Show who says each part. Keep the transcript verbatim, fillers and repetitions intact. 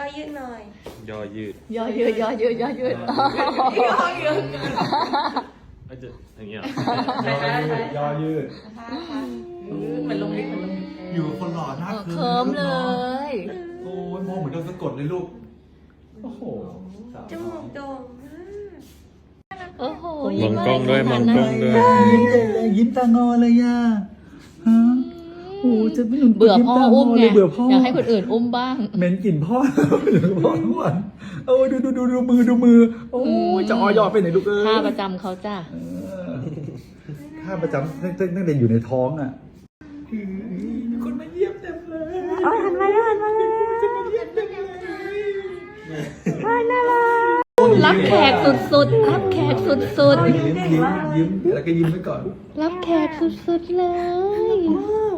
Speaker 1: ยืดหน่อย
Speaker 2: ย่อยืด
Speaker 3: ย่อยืดย่อยืดย่อยืด
Speaker 1: ย่อยืด
Speaker 2: อาจจะอย่างเงี้ย
Speaker 4: ย่อยืดย่อยืด
Speaker 1: เหมือนลงลิฟต์เหมือนลงลิฟต์
Speaker 4: อยู่กับคนหล่อหน้า
Speaker 3: เคิร์มเลย
Speaker 4: โอ้ยมองเหมือนโดนสะกดเลยลูกโอ้โห
Speaker 1: จมูกโด่ง
Speaker 3: โอ้โห
Speaker 2: มองกล้องด้วยมองกล้องด้วย
Speaker 4: ยิ้มเลยยิ้มตางอเลยย่าฮะโอ้จะไม่หนุน
Speaker 3: เบื่อพ่ออุ้มไง
Speaker 4: เบื่อพ่ออย
Speaker 3: อากให้คนอื่นอุ้มบ้าง
Speaker 4: เหม็นกลิ่นพ่ออยู่กับพ่อทุกวันโอ้ดูดูดูดูมือดูมือโอ้ยจะออยอไปไหนลูกเอ้ย
Speaker 3: ท่าประจำเขาจ้ะ
Speaker 4: เออท่าประจำตั้งตั้งแต่อยู่ในท้องอ่ะมีคนมาเยี่ยมเต็มเลย
Speaker 1: อ๋อหันมาแล้วหันมาแล้ว
Speaker 3: รับแขกสุดๆ รับแขกสุด
Speaker 4: ยิ้มยิ้มยิ้มแล้วก็ยิ้มไว้ก่อน
Speaker 3: ๆ รับแขกสุดๆเลย
Speaker 1: มาก